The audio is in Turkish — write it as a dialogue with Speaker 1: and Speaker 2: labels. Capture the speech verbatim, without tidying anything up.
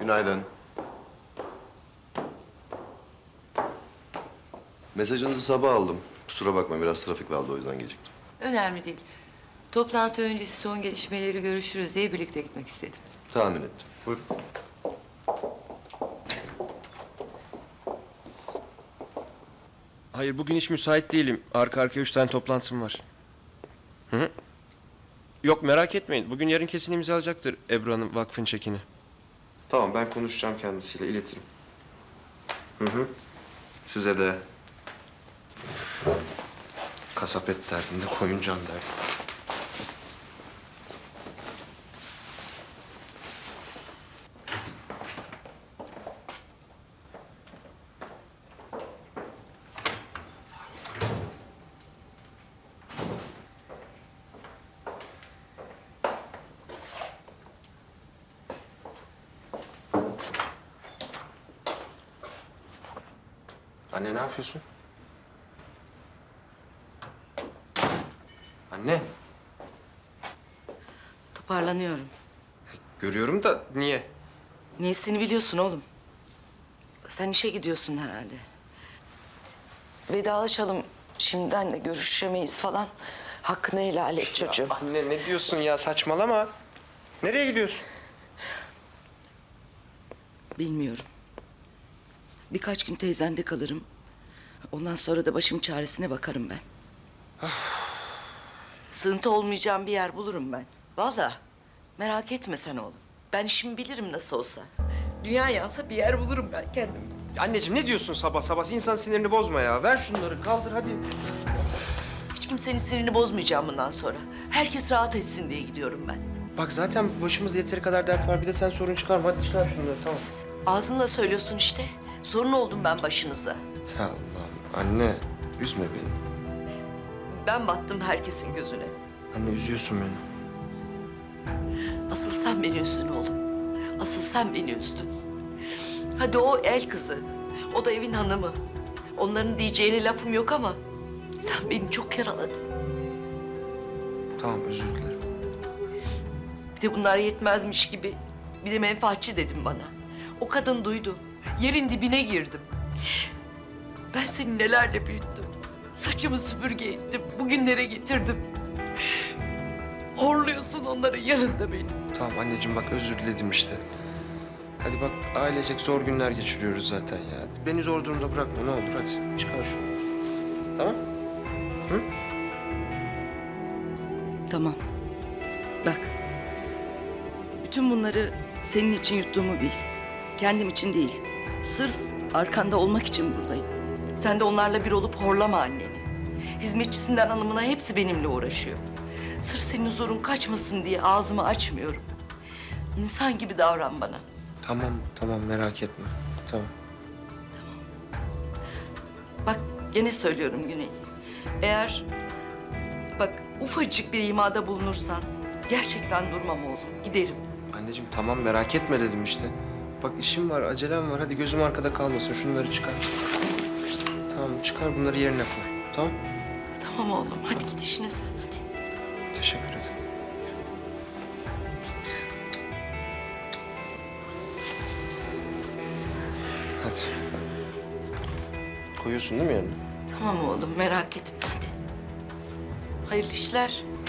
Speaker 1: Günaydın. Mesajınızı sabah aldım. Kusura bakma, biraz trafik vardı, o yüzden geciktim.
Speaker 2: Önemli değil. Toplantı öncesi son gelişmeleri görüşürüz diye birlikte gitmek istedim.
Speaker 1: Tahmin ettim. Buyurun.
Speaker 3: Hayır, bugün hiç müsait değilim. Arka arkaya üç tane toplantım var. Hı hı. Yok, merak etmeyin. Bugün yarın kesin imzalayacaktır Ebru Hanım vakfın çekini. Tamam, ben konuşacağım kendisiyle, iletirim. Hı hı. Size de kasap et derdinde, koyun can derdinde. Anne, ne yapıyorsun? Anne.
Speaker 2: Toparlanıyorum.
Speaker 3: Görüyorum da niye?
Speaker 2: Niyesini biliyorsun oğlum. Sen işe gidiyorsun herhalde. Vedalaşalım. Şimdiden de görüşemeyiz falan. Hakkını helal et çocuğum.
Speaker 3: Anne, ne diyorsun ya? Saçmalama. Nereye gidiyorsun?
Speaker 2: Bilmiyorum. Birkaç gün teyzende kalırım. Ondan sonra da başım çaresine bakarım ben. Sığıntı olmayacağım bir yer bulurum ben. Vallahi merak etme sen oğlum. Ben işimi bilirim nasıl olsa. Dünya yansa bir yer bulurum ben kendim.
Speaker 3: Anneciğim, ne diyorsun sabah sabah? İnsan sinirini bozma ya. Ver şunları, kaldır hadi.
Speaker 2: Hiç kimsenin sinirini bozmayacağım bundan sonra. Herkes rahat etsin diye gidiyorum ben.
Speaker 3: Bak zaten başımızda yeteri kadar dert var. Bir de sen sorun çıkarma. Hadi çıkar şunları, tamam.
Speaker 2: Ağzınla söylüyorsun işte. Sorun oldum ben başınıza.
Speaker 3: Allah'ım, anne. Üzme beni.
Speaker 2: Ben battım herkesin gözüne.
Speaker 3: Anne, üzüyorsun beni.
Speaker 2: Asıl sen beni üzdün oğlum. Asıl sen beni üzdün. Hadi o el kızı. O da evin hanımı. Onların diyeceğine lafım yok ama sen beni çok yaraladın.
Speaker 3: Tamam, özür dilerim.
Speaker 2: Bir de bunlar yetmezmiş gibi bir de menfaatçi dedim bana. O kadın duydu. Yerin dibine girdim. Ben seni nelerle büyüttüm. Saçımı süpürge ettim. Bugünlere getirdim. Horluyorsun onların yanında beni.
Speaker 3: Tamam anneciğim, bak özür diledim işte. Hadi bak, ailecek zor günler geçiriyoruz zaten ya. Beni zor durumda bırakma, ne olur hadi. Çıkar şunu. Tamam? Hı?
Speaker 2: Tamam. Bak. Bütün bunları senin için yuttuğumu bil. Kendim için değil. Sırf arkanda olmak için buradayım. Sen de onlarla bir olup horlama anneni. Hizmetçisinden hanımına hepsi benimle uğraşıyor. Sırf senin huzurun kaçmasın diye ağzımı açmıyorum. İnsan gibi davran bana.
Speaker 3: Tamam, tamam, merak etme. Tamam.
Speaker 2: Bak gene söylüyorum Güney. Eğer bak ufacık bir imada bulunursan gerçekten durmam oğlum. Giderim.
Speaker 3: Anneciğim tamam, merak etme dedim işte. Bak işim var, acelem var. Hadi gözüm arkada kalmasın. Şunları çıkar. Tamam, çıkar bunları yerine koy. Tamam?
Speaker 2: Tamam oğlum. Hadi git işine sen hadi.
Speaker 3: Teşekkür ederim. Hadi. Koyuyorsun değil mi yerine?
Speaker 2: Tamam oğlum merak etme hadi. Hayırlı işler.